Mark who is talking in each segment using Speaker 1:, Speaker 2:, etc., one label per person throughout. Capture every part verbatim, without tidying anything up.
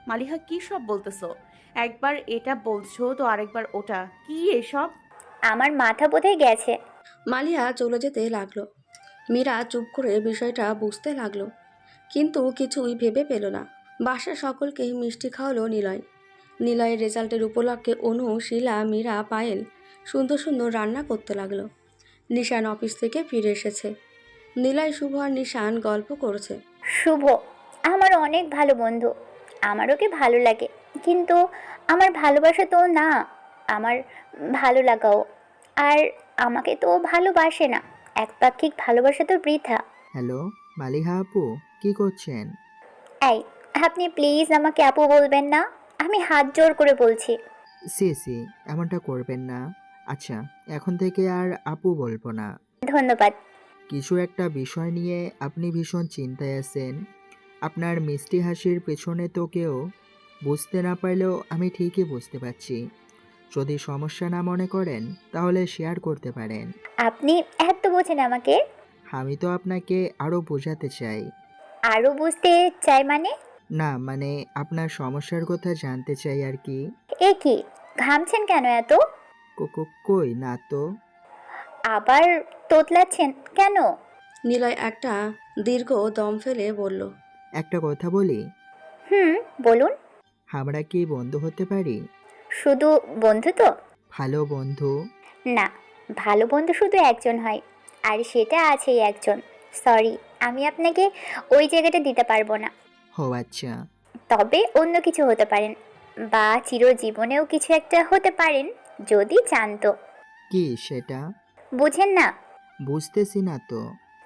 Speaker 1: মালিহা কি সব বলতেছো? একবার এটা বলছো তো আরেকবার ওটা, কি এসব?
Speaker 2: আমার মাথা বোধহয় গেছে।
Speaker 3: মালিহা চলে যেতে লাগলো। মীরা চুপ করে বিষয়টা বুঝতে লাগলো, কিন্তু কিছুই ভেবে পেল না। বাসার সকলকে মিষ্টি খাওয়ালো নিলয়। নিলয়ের রেজাল্টের উপলক্ষে অনু, শিলা, মীরা, পায়েল সুন্দর সুন্দর রান্না করতে লাগলো। নিশান অফিস থেকে ফিরে এসেছে। নিলয়, শুভ আর নিশান গল্প করছে।
Speaker 2: শুভ আমার অনেক ভালো বন্ধু, আমার ওকে ভালো লাগে, কিন্তু আমার ভালোবাসা তো না, আমার ভালো লাগাও। আর আমাকে তো ও ভালোবাসে না, একপাক্ষিক ভালোবাসা তো বৃথা।
Speaker 4: হ্যালো, মালিহা আপু, কি করছেন?
Speaker 2: এই, আপনি প্লিজ আমাকে আপু বলবেন না, আমি হাত জোড় করে বলছি।
Speaker 4: সি সি, এমনটা করবেন না। আচ্ছা, এখন থেকে আর আপু বলবো না।
Speaker 2: ধন্যবাদ।
Speaker 4: কিছু একটা বিষয় নিয়ে আপনি ভীষণ চিন্তায় আছেন। আপনার মিষ্টি হাসির পেছনে তো কেউ বুঝতে না পারলেও আমি ঠিকই বুঝতে পারছি। যদি সমস্যা না মনে করেন তাহলে শেয়ার করতে পারেন।
Speaker 2: আপনি এত বোঝেন আমাকে?
Speaker 4: আমি তো আপনাকে আরও বোঝাতে চাই।
Speaker 2: আরও বুঝতে চাই মানে?
Speaker 4: না মানে, আপনার সমস্যার কথা জানতে চাই আর কি।
Speaker 2: এ কি, ঘামছেন কেন এত?
Speaker 4: কো- কো- কই না তো।
Speaker 2: আবার তোতলাচ্ছেন কেন?
Speaker 3: নিলয় একটা দীর্ঘ দম ফেলে বলল,
Speaker 4: একটা কথা বলি,
Speaker 2: হুম, বলুন।
Speaker 4: আমরা কি বন্ধু হতে পারি?
Speaker 2: শুধু বন্ধু তো?
Speaker 4: ভালো বন্ধু।
Speaker 2: না, ভালো বন্ধু শুধু একজন হয়, আর সেটা আছেই একজন। সরি, আমি আপনাকে ওই জায়গাটা দিতে পারবো না।
Speaker 4: ও আচ্ছা।
Speaker 2: তবে অন্য কিছু হতে পারেন, বা চিরজীবনেও কিছু একটা হতে পারেন, যদি চান তো।
Speaker 4: কি সেটা?
Speaker 2: বুঝেন না?
Speaker 4: বুঝতেছি না তো।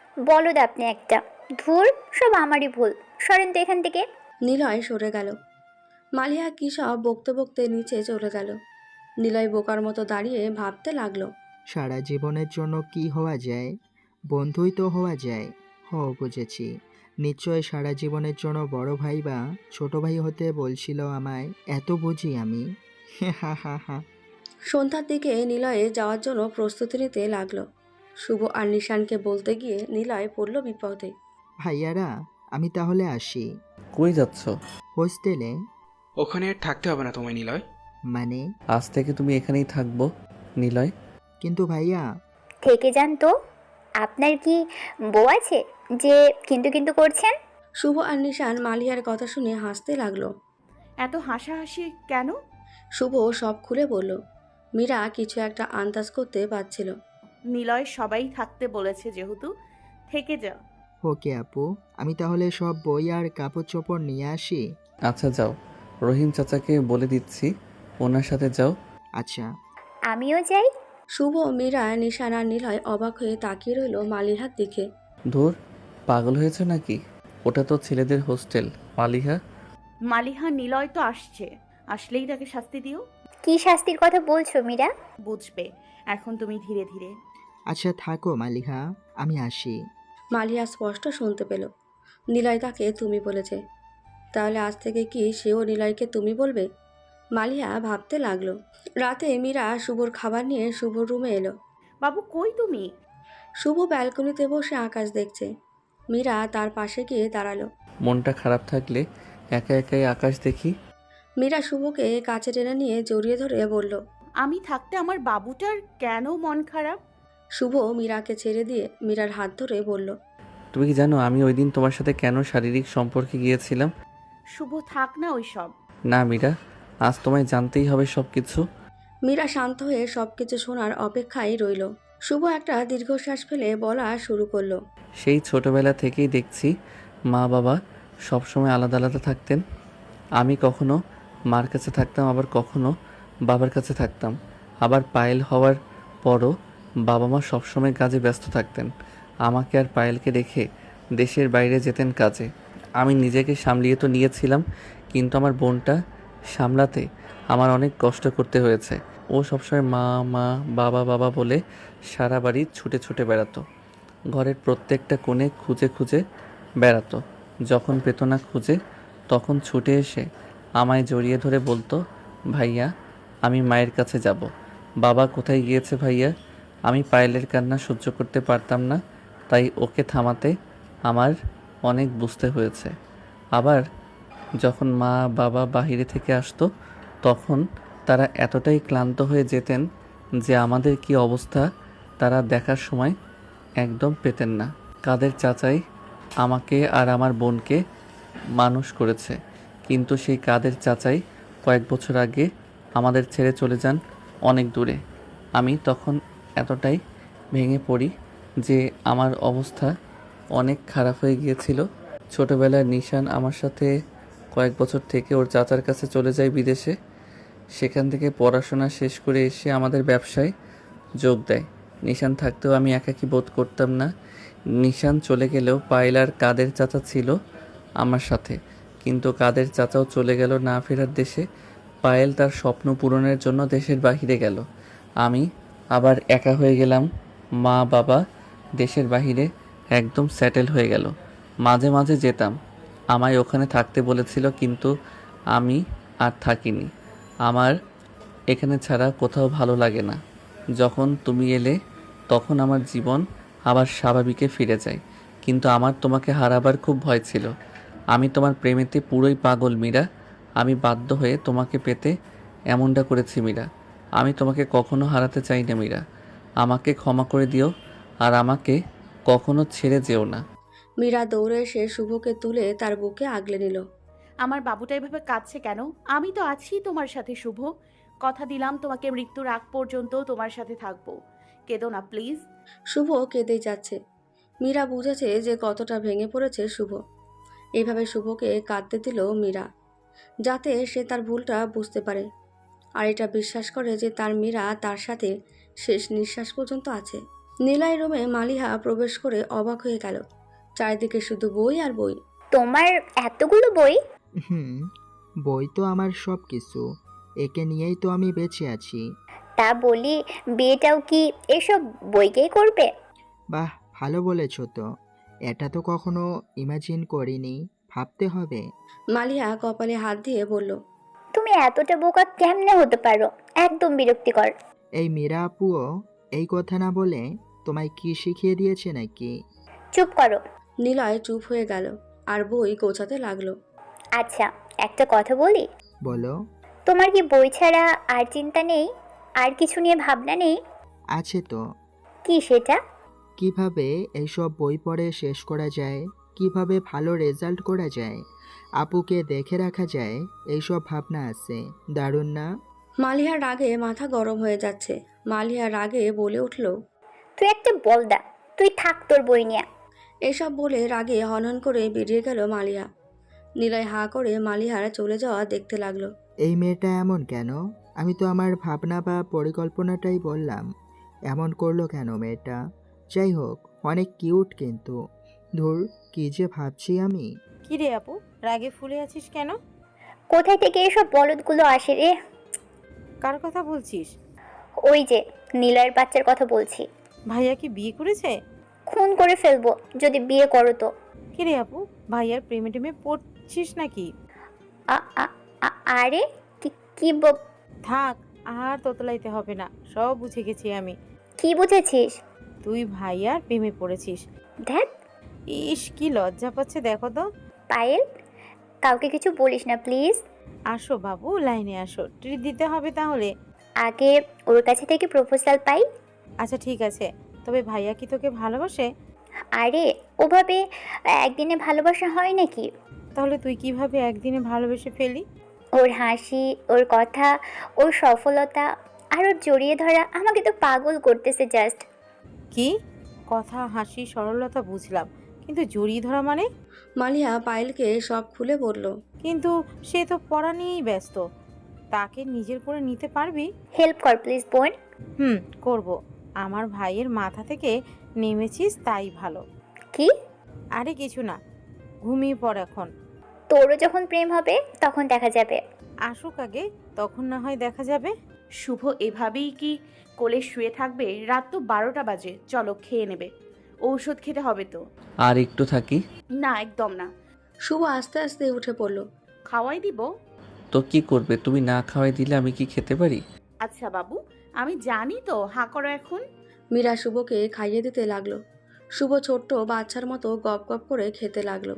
Speaker 2: বলদ আপনি একটা। ধুর, সব আমারই ভুল, সরেন তো এখান থেকে।
Speaker 3: নিলয় সরে গেল। মালিহা কী সব বকতে বকতে নিচে চলে গেল। নিলয় বোকার মতো দাঁড়িয়ে ভাবতে লাগলো।
Speaker 4: সারা জীবনের জন্য কি হওয়া যায়? বন্ধুই তো হওয়া যায়। ও বুঝেছি, নিশ্চয় সারা জীবনের জন্য বড় ভাই বা ছোট ভাই হতে বলছিল আমায়। এত বুঝি আমি। হা হা হা।
Speaker 3: সন্ধ্যার দিকে নিলয়ে যাওয়ার জন্য প্রস্তুতি নিতে লাগলো। শুভ আর নিশানকে বলতে গিয়ে নিলয় পড়ল বিপদে।
Speaker 4: ভাইয়ারা, আমি তাহলে আসি।
Speaker 5: কই যাচ্ছ?
Speaker 4: হোস্টেলে।
Speaker 6: ওখানে আর থাকতে হবে না তোমায় নিলয়।
Speaker 4: মানে?
Speaker 5: আজ থেকে তুমি এখানেই থাকবো নিলয়।
Speaker 4: কিন্তু ভাইয়া।
Speaker 2: থেকে যান তো। আপনার কি বউ আছে যে কিন্তু কিন্তু করছেন?
Speaker 3: শুভ আর নিশান মালিহার কথা শুনে হাসতে লাগলো।
Speaker 1: এত হাসাহাসি কেন?
Speaker 3: শুভ সব খুলে বলল। মীরা কিছু একটা আন্দাজ করতে পারছিল।
Speaker 1: নিলয় সবাই থাকতে বলেছে যেহেতু, থেকে যা।
Speaker 4: ওকে আপু, আমি তাহলে সব বই আর কাপড় চোপড় নিয়ে আসি।
Speaker 5: আচ্ছা যাও, রহিম চাচাকে বলে দিচ্ছি, ওনার সাথে যাও।
Speaker 4: আচ্ছা।
Speaker 2: আমিও যাই।
Speaker 3: শুভ, মীরা, নিশান আর নিলয় অবাক হয়ে তাকিয়ে রইল মালিহার দিকে।
Speaker 5: ধুর, পাগল হয়েছে নাকি? ওটা তো ছেলেদের হোস্টেল মালিহা।
Speaker 1: মালিহা, নিলয় তো আসছে, আসলেই তাকে শাস্তি দিও।
Speaker 2: কি শাস্তির কথা বলছো মীরা?
Speaker 1: বুঝবে এখন তুমি ধীরে ধীরে।
Speaker 4: আচ্ছা থাকো মালিহা, আমি আসি।
Speaker 3: মালিহা স্পষ্ট শুনতে পেল নিলয় তাকে তুমি বলেছে। তাহলে আজ থেকে কি সেও নিলয়কে তুমি বলবে? মালিহা ভাবতে লাগলো। রাতে মীরা শুভর খাবার নিয়ে শুভর রুমে এলো।
Speaker 1: বাবু কই তুমি?
Speaker 3: শুভ ব্যালকনিতে বসে আকাশ দেখছে। মীরা তার পাশে গিয়ে দাঁড়ালো।
Speaker 5: মনটা খারাপ থাকলে একা একাই আকাশ দেখি।
Speaker 3: মীরা শুভকে কাছে টেনে নিয়ে জড়িয়ে ধরে বলল।
Speaker 1: আমি থাকতে আমার বাবুটার কেন মন খারাপ?
Speaker 3: শুভ মীরাকে ছেড়ে দিয়ে মীরার হাত ধরে বলল।
Speaker 5: তুমি কি জানো আমি ওই দিন তোমার সাথে কেন শারীরিক সম্পর্কে গিয়েছিলাম?
Speaker 1: শুভ থাক না ওইসব।
Speaker 5: না মীরা, আজ তোমায় জানতেই হবে সব কিছু।
Speaker 3: মীরা শান্ত হয়ে সবকিছু শোনার অপেক্ষায় রইল। শুভ একটা দীর্ঘশ্বাস ফেলে বলা শুরু করলো।
Speaker 5: সেই ছোটবেলা থেকেই দেখছি মা বাবা সবসময় আলাদা আলাদা থাকতেন। আমি কখনো মার কাছে থাকতাম, আবার কখনো বাবার কাছে থাকতাম। আবার পায়েল হওয়ার পরও বাবা মা সবসময় কাজে ব্যস্ত থাকতেন। আমাকে আর পায়েলকে রেখে দেশের বাইরে যেতেন কাজে। আমি নিজেকে সামলিয়ে তো নিয়েছিলাম, কিন্তু আমার বোনটা সামলাতে আমার অনেক কষ্ট করতে হয়েছে। ও সবসময় মা মা বাবা বাবা বলে সারা বাড়ি ছুটে ছুটে বেড়াতো। ঘরের প্রত্যেকটা কোণে খুঁজে খুঁজে বেড়াতো। যখন পেত না খুঁজে, তখন ছুটে এসে আমায় জড়িয়ে ধরে বলতো, ভাইয়া আমি মায়ের কাছে যাব। বাবা কোথায় গিয়েছে ভাইয়া? আমি পায়েলের কান্না সহ্য করতে পারতাম না, তাই ওকে থামাতে আমার অনেক বুঝতে হয়েছে। আবার যখন মা বাবা বাইরে থেকে আসতো তখন তারা এতটাই ক্লান্ত হয়ে যেতেন যে আমাদের কি অবস্থা তারা দেখার সময় একদম পেতেন না। কাদের চাচাই আমাকে আর আমার বোনকে মানুষ করেছে, কিন্তু সেই কাদের চাচাই কয়েক বছর আগে আমাদের ছেড়ে চলে যান অনেক দূরে। আমি তখন এতটাই ভেঙে পড়ি যে আমার অবস্থা অনেক খারাপ হয়ে গিয়েছিল। ছোটবেলায় নিশান আমার সাথে কয়েক বছর থেকে ওর চাচার কাছে চলে যায় বিদেশে। সেখান থেকে পড়াশোনা শেষ করে এসে আমাদের ব্যবসায় যোগ দেয়। নিশান থাকতেও আমি একাকী বোধ করতাম না। নিশান চলে গেলেও পায়েল আর কাদের চাচা ছিল আমার সাথে, কিন্তু কাদের চাচাও চলে গেল না ফেরার দেশে। পায়েল তার স্বপ্ন পূরণের জন্য দেশের বাহিরে গেল। আমি আবার একা হয়ে গেলাম। মা বাবা দেশের বাহিরে একদম সেটেল হয়ে গেল। মাঝে মাঝে যেতাম, আমায় ওখানে থাকতে বলেছিল, কিন্তু আমি আর থাকিনি। আমার এখানে ছাড়া কোথাও ভালো লাগে না। যখন তুমি এলে তখন আমার জীবন আবার স্বাভাবিকে ফিরে যায়, কিন্তু আমার তোমাকে হারাবার খুব ভয় ছিল। আমি তোমার প্রেমেতে পুরোই পাগল মীরা। আমি বাধ্য হয়ে তোমাকে পেতে এমনটা করেছি মীরা। আমি তোমাকে কখনো হারাতে চাই না মীরা। আমাকে ক্ষমা করে দিও আর আমাকে কখনো ছেড়ে যেও না।
Speaker 3: মীরা দৌড়ে এসে শুভকে তুলে তার বুকে আগলে নিল।
Speaker 1: আমার বাবুটা এভাবে কাঁদছে কেন? আমি তো আছি তোমার সাথে শুভ। কথা দিলাম তোমাকে মৃত্যুর আগ পর্যন্ত তোমার সাথে থাকবো। কেঁদো না প্লিজ।
Speaker 3: শুভ কেঁদেই যাচ্ছে। মীরা বুঝেছে যে কতটা ভেঙে পড়েছে শুভ। এইভাবে শুভকে কাঁদতে দিল মীরা, যাতে সে তার ভুলটা বুঝতে পারে আর এটা বিশ্বাস করে যে তার মীরা তার সাথে শেষ নিঃশ্বাস পর্যন্ত আছে। নিলয় রুমে মালিহা প্রবেশ করে অবাক হয়ে গেল। চারিদিকে শুধু বই আর বই।
Speaker 2: তোমার এতগুলো বই?
Speaker 4: হুম, বই তো আমার সব কিছু। একে নিয়েই তো আমি বেঁচে আছি।
Speaker 2: তা বলি, বিয়েটাও কি এসব বইকেই করবে?
Speaker 4: বাহ, ভালো বলেছ তো। এটা তো কখনো ইমাজিন করিনি, ভাবতে হবে।
Speaker 3: মালিহা কপালে হাত দিয়ে বলল,
Speaker 2: তুমি এতটা বোকা কেমনে হতে পারো? একদম বিরক্তিকর।
Speaker 4: এই মীরা আপুও এই কথা না বলে তোমায় কি শিখিয়ে দিয়েছে নাকি?
Speaker 2: চুপ করো।
Speaker 3: নিলয় চুপ হয়ে গেল আর বই গোছাতে লাগলো।
Speaker 2: আচ্ছা, একটা কথা বলি।
Speaker 4: বলো।
Speaker 2: তোমার কি বই ছাড়া আর চিন্তা নেই? আর কিছু নিয়ে ভাবনা নেই?
Speaker 4: আছে তো।
Speaker 2: কি সেটা?
Speaker 4: কিভাবে এইসব বই পড়ে শেষ করা যায়, কিভাবে ভালো রেজাল্ট করা যায়, আপুকে দেখে রাখা যায়, এইসব ভাবনা আছে। দারুণ না?
Speaker 3: মালিহার রাগে মাথা গরম হয়ে যাচ্ছে। মালিহার রাগে বলে উঠল,
Speaker 2: তুই একটা বলদা, তুই থাক তোর বই নিয়ে।
Speaker 3: এসব বলে রাগে হনহন করে বেরিয়ে গেল মালিহা। নিলয় হাঁ করে মালিহার চলে যাওয়া দেখতে লাগলো।
Speaker 4: এই মেয়েটা এমন কেন? আমি তো আমার ভাবনা বা পরিকল্পনাটাই বললাম। এমন করলো কেন মেয়েটা? যাই হোক, অনেক কিউট কিন্তু। ধুর, কি যে ভাবছি আমি।
Speaker 7: কি রে আপু, রাগে ফুলে আছিস কেন?
Speaker 2: কোথায় থেকে এসব বলদগুলো আসে রে?
Speaker 7: কার কথা বলছিস?
Speaker 2: ওই যে নীলয়ের বাচ্চার কথা বলছি।
Speaker 7: ভাইয়া কি বিয়ে করেছে?
Speaker 2: খুন করে ফেলবো যদি বিয়ে করো তো।
Speaker 7: কি রে আপু, ভাইয়ার প্রেমে টেমে পড়ছিস নাকি?
Speaker 2: আ- আ- আ- আরে কি কি ব-
Speaker 7: থাক, আর তোতলাইতে হবে না, সব বুঝে গেছি আমি।
Speaker 2: কি বুঝেছিস?
Speaker 7: তুই ভাইয়ার প্রেমে পড়েছিস।
Speaker 2: ধ্যাত,
Speaker 7: ইস, কি লজ্জা পাচ্ছে দেখো তো।
Speaker 2: পায়েল, কাউকে কিছু বলিস না প্লিজ।
Speaker 7: আসো বাবু, লাইনে আসো, ট্রিট দিতে হবে তাহলে।
Speaker 2: আগে ওর কাছে থেকে প্রপোজাল পাই।
Speaker 7: আচ্ছা ঠিক আছে, তবে ভাইয়া কি তোকে ভালোবাসে?
Speaker 2: আরে ওভাবে একদিনে ভালোবাসা হয় নাকি?
Speaker 7: তাহলে তুই কিভাবে একদিনে ভালোবেসে ফেলি?
Speaker 2: ওর হাসি, ওর কথা, ওর সফলতা আর ওর জড়িয়ে ধরা আমাকে তো পাগল করতেছে জাস্ট।
Speaker 7: কি কথা, হাসি, সরলতা বুঝলাম, কিন্তু জড়িয়ে ধরা মানে?
Speaker 3: মালিহা পায়েলকে সব খুলে বলল।
Speaker 7: কিন্তু সে তো পড়া নিয়েই ব্যস্ত, তাকে নিজের করে নিতে পারবি?
Speaker 2: হেল্প কর প্লিজ বোন।
Speaker 7: হুম, করব। আমার ভাইয়ের মাথা থেকে নেমেছিস তাই ভালো।
Speaker 2: কি?
Speaker 7: আরে কিছু না, ঘুমিয়ে পড় এখন।
Speaker 2: তোরও যখন প্রেম হবে তখন দেখা যাবে।
Speaker 7: আসুক আগে, তখন না হয় দেখা যাবে।
Speaker 1: শুভ এভাবেই কি কোলে শুয়ে থাকবে? রাত তো বারোটা বাজে, চলো খেয়ে নেবে। ঔষধ খেতে হবে তো।
Speaker 5: আর একটু থাকি।
Speaker 1: না, একদম না।
Speaker 3: শুভ আস্তে আস্তে উঠে পড়ল।
Speaker 1: খাওয়াই দিব।
Speaker 5: তো কি করবে? তুমি না খাওয়াই দিলে আমি কি খেতে পারি?
Speaker 1: আচ্ছা বাবু, আমি জানি তো, হাঁ করো এখন।
Speaker 3: মীরা শুভকে খাইয়ে দিতে লাগলো। শুভ ছোট্ট বাচ্চার মতো গপ গপ করে খেতে লাগলো।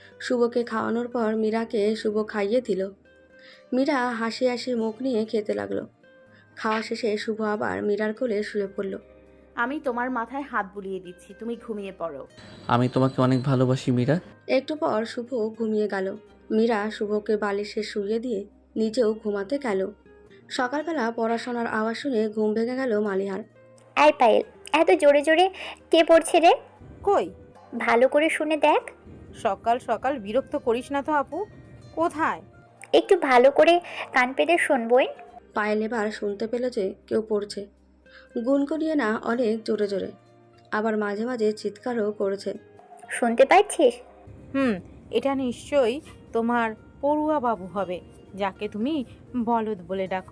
Speaker 3: শুভকে খাওয়ানোর পর মীরাকে শুভ খাইয়ে দিল। মীরা হাসি হাসি মুখ নিয়ে খেতে লাগলো। খাওয়া শেষে শুভ আবার মীরার কোলে শুয়ে পড়ল।
Speaker 1: আমি তোমার মাথায় হাত বুলিয়ে দিচ্ছি, তুমি ঘুমিয়ে পড়ো।
Speaker 5: আমি তোমাকে অনেক ভালোবাসি মীরা।
Speaker 3: একটু পর শুভ ঘুমিয়ে গেল। মীরা শুভকে বালিশে শুইয়ে দিয়ে নিজেও ঘুমাতে গেল। সকালবেলা পড়াশোনার আওয়াজ শুনে ঘুম ভেঙে গেল মালিহার।
Speaker 2: এই পায়েল, এত জোরে জোরে কে পড়ছে রে?
Speaker 7: কই?
Speaker 2: ভালো করে শুনে দেখ।
Speaker 7: সকাল সকাল বিরক্ত করিস না তো আপু। কোথায়?
Speaker 2: একটু ভালো করে কান পেতে শুনবই।
Speaker 3: পায়েল এবার শুনতে পেল যে কেউ পড়ছে। গুনগুনিয়ে না, অনেক জোরে জোরে, আবার মাঝে মাঝে চিৎকারও করেছে।
Speaker 2: শুনতে পাচ্ছিস?
Speaker 7: হুম, এটা নিশ্চয়ই তোমার পড়ুয়া বাবু হবে, যাকে তুমি বলদ বলে ডাকো।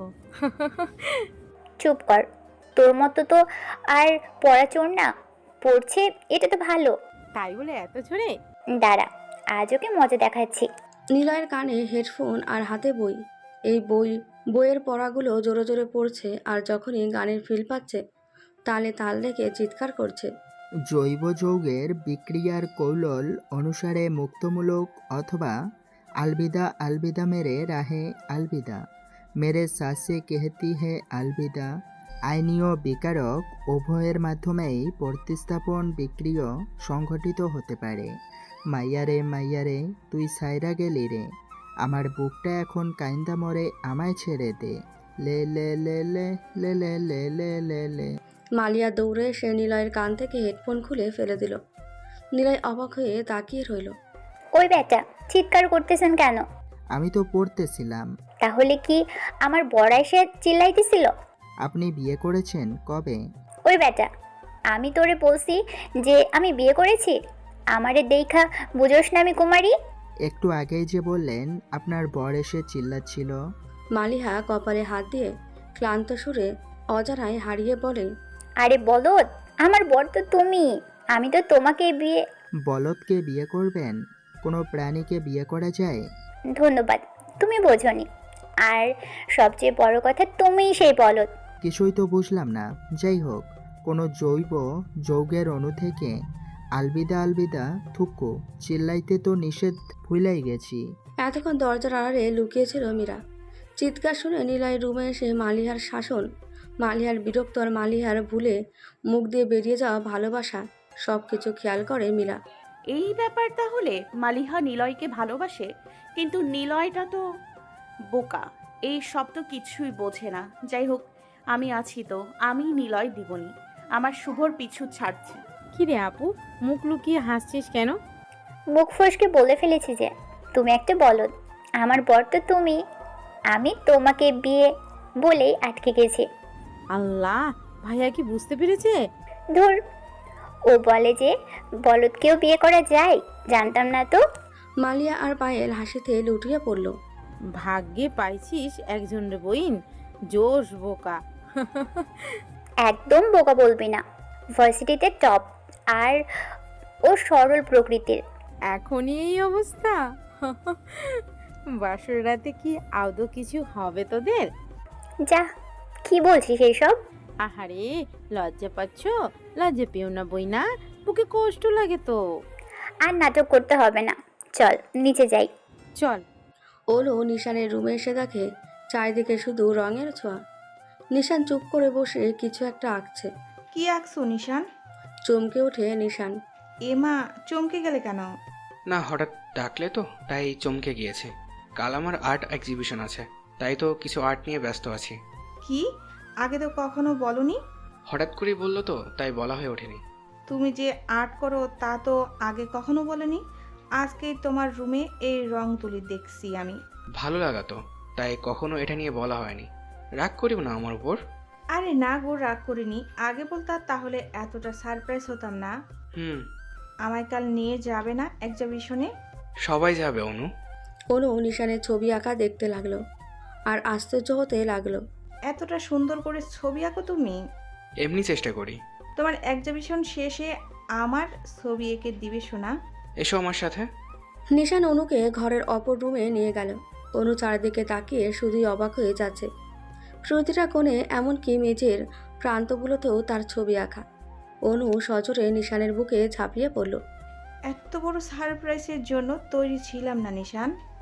Speaker 2: চুপ কর, তোর মতো তো আর পড়াচোর না। পড়ছে এটা তো ভালো।
Speaker 7: তাই বলে এত জোরে?
Speaker 2: দাঁড়া, আজ ওকে মজা দেখাচ্ছি।
Speaker 3: নিলয়ের কানে হেডফোন আর হাতে বই। এই বই বইয়ের পড়াগুলো জোরে জোরে পড়ছে, আর যখনই গানের ফিল পাচ্ছে তালে তাল রেখে চিৎকার করছে।
Speaker 4: জৈব যৌগের বিক্রিয়ার কৌশল অনুসারে মুক্তমূলক অথবা আলবিদা আলবিদা মেরে রাহে আলবিদা মেরে সাসে কেহতি হে আলবিদা। আইনীয় বিকারক উভয়ের মাধ্যমেই প্রতিস্থাপন বিক্রিয়া সংঘটিত হতে পারে। মাইয়ারে মাইয়ারে তুই সাইরা গেলি রে, আমার বুকটা এখন কাইন্দা মরে, আমায় ছেড়ে দে। লে লে লে লে লে লে লে লে লে লে।
Speaker 3: মালিয়া দৌড়ে এসে নিলয়ের কান থেকে হেডফোন খুলে ফেলে দিল। নিলয় অবাক হয়ে তাকিয়ে রইল।
Speaker 2: ওই বেটা, চিৎকার করতেছেন কেন?
Speaker 4: আমি তো পড়তেছিলাম।
Speaker 2: তাহলে কি আমার বড় এসে চিল্লাইতেছিল?
Speaker 4: আপনি বিয়ে করেছেন কবে?
Speaker 2: ওই বেটা, আমি তোরে বলছি যে আমি বিয়ে করেছি? আমারে দেখা বুঝোস না আমি কুমারী?
Speaker 4: একটু আগেই যে বললেন আপনার বর এসে চিল্লাচ্ছিল।
Speaker 3: মালিহা কপালে হাত দিয়ে ক্লান্ত সুরে অজানায় হারিয়ে বলে,
Speaker 2: আরে বলদ, আমার বর তো তুমি। আমি তো তোমাকে বিয়ে।
Speaker 4: বলদকে বিয়ে করবেন? কোনো প্রাণীকে বিয়ে করা যায়?
Speaker 2: ধন্যবাদ, তুমি বোঝনি। আর সবচেয়ে বড় কথা, তুমিই সেই বলদ।
Speaker 4: কিছুই তো বুঝলাম না। যাই হোক, কোনো জৈব যৌগের অণু থেকে আলবিদা আলবিদা থুকু চিল্লাইতে তো নিষেধ ভুলাই গেছি।
Speaker 3: এতক্ষণ দরজার আড়ালে লুকিয়েছিল মীরা। চিৎকার শুনে নিলয় রুমে এসে মালিহার শাসন, মালিহার বিরক্ত আর মালিহার ভুলে মুখ দিয়ে বেরিয়ে যাওয়া ভালোবাসা সব কিছু খেয়াল করে মীরা।
Speaker 1: এই ব্যাপার তাহলে। মালিহা নিলয়কে ভালোবাসে, কিন্তু নিলয়টা তো বোকা, এই সব তো কিছুই বোঝে না। যাই হোক, আমি আছি তো, আমি নিলয় দিবনি। আমার শুভর পিছু ছাড়ছে।
Speaker 7: কি রে আপু, মুখ লুকিয়ে হাসছিস কেন?
Speaker 2: মুখ ফসকে বলে ফেলেছি যে তুমি একটা বলদ। আমার বর তো তুমি। আমি তোমাকে বিয়ে বলেই আটকে গেছি।
Speaker 7: আল্লাহ, ভাইয়া কি বুঝতে পেরেছে?
Speaker 2: ধুর, ও বলে যে বলদকেও বিয়ে করা যায়, জানতাম না তো।
Speaker 3: মালিয়া আর পায়েল হাসিতে লুটিয়ে পড়ল।
Speaker 7: ভাগ্যে পাইছিস একজন রে বইন, জোশ বোকা।
Speaker 2: একদম বোকা বলবি না, ভার্সিটিতে টপ, আর ও সরল প্রকৃতির।
Speaker 7: এখনই এই অবস্থা? বাসর রাতে কি আদৌ কিছু হবে তোদের?
Speaker 2: যা, কি বলছিস এইসব?
Speaker 7: আহারে, লজ্জা পাচ্ছ? লজ্জা পেও না বই না, বুকে কষ্ট লাগে তো।
Speaker 2: আর নাটক করতে হবে না, চল নিচে যাই।
Speaker 7: চল।
Speaker 3: ওলো নিশানের রুমে এসে দেখে চারিদিকে শুধু রঙের ছোঁয়া। নিশান চুপ করে বসে কিছু একটা আঁকছে।
Speaker 8: কি আঁকছো নিশান?
Speaker 3: চমকে ওঠে নিশান।
Speaker 8: এমা, চমকে গেলে কেন?
Speaker 6: না, হঠাৎ ডাকলে তো, তাই চমকে গিয়েছে। কাল আমার আর্ট এক্সিবিশন আছে, তাই তো কিছু আর্ট নিয়ে ব্যস্ত আছি।
Speaker 8: কি, আগে তো কখনো বলনি?
Speaker 6: হঠাৎ করেই বললো তো, তাই বলা হয়ে ওঠেনি।
Speaker 8: তুমি যে আর্ট করো তা তো আগে কখনো বলনি। আজকে তোমার রুমে এই রং তুলি দেখছি আমি।
Speaker 6: ভালো লাগাতো, তাই কখনো এটা নিয়ে বলা হয়নি। রাগ করিও না আমার উপর।
Speaker 8: আরে না গো, রাগ করিনি। আগে বলতা তাহলে এতটা সারপ্রাইজ হতাম না।
Speaker 6: হুম।
Speaker 8: আমায় কাল নিয়ে যাবে না এক্সিবিশনে?
Speaker 6: সবাই যাবে অনু।
Speaker 3: অনু নিশানের ছবি আঁকা দেখতে লাগলো আর আশ্চর্য হতে লাগলো।
Speaker 8: এতটা সুন্দর করে ছবি আঁকো তুমি?
Speaker 6: এমনি চেষ্টা করি।
Speaker 8: তোমার এক্সিবিশন শেষে আমার ছবি এঁকে দিবে শোনা।
Speaker 6: এসো আমার সাথে।
Speaker 3: নিশান অনুকে ঘরের অপর রুমে নিয়ে গেল। অনু চারিদিকে তাকিয়ে শুধুই অবাক হয়ে যাচ্ছে। প্রতিটা কোণে, এমনকি মেঝের প্রান্তগুলোতেও তার ছবি আঁকা। অনু সজোরে নিশানের বুকে ঝাঁপিয়ে পড়ল।
Speaker 8: এত বড় সারপ্রাইজের জন্য তৈরি ছিলাম না নিশান।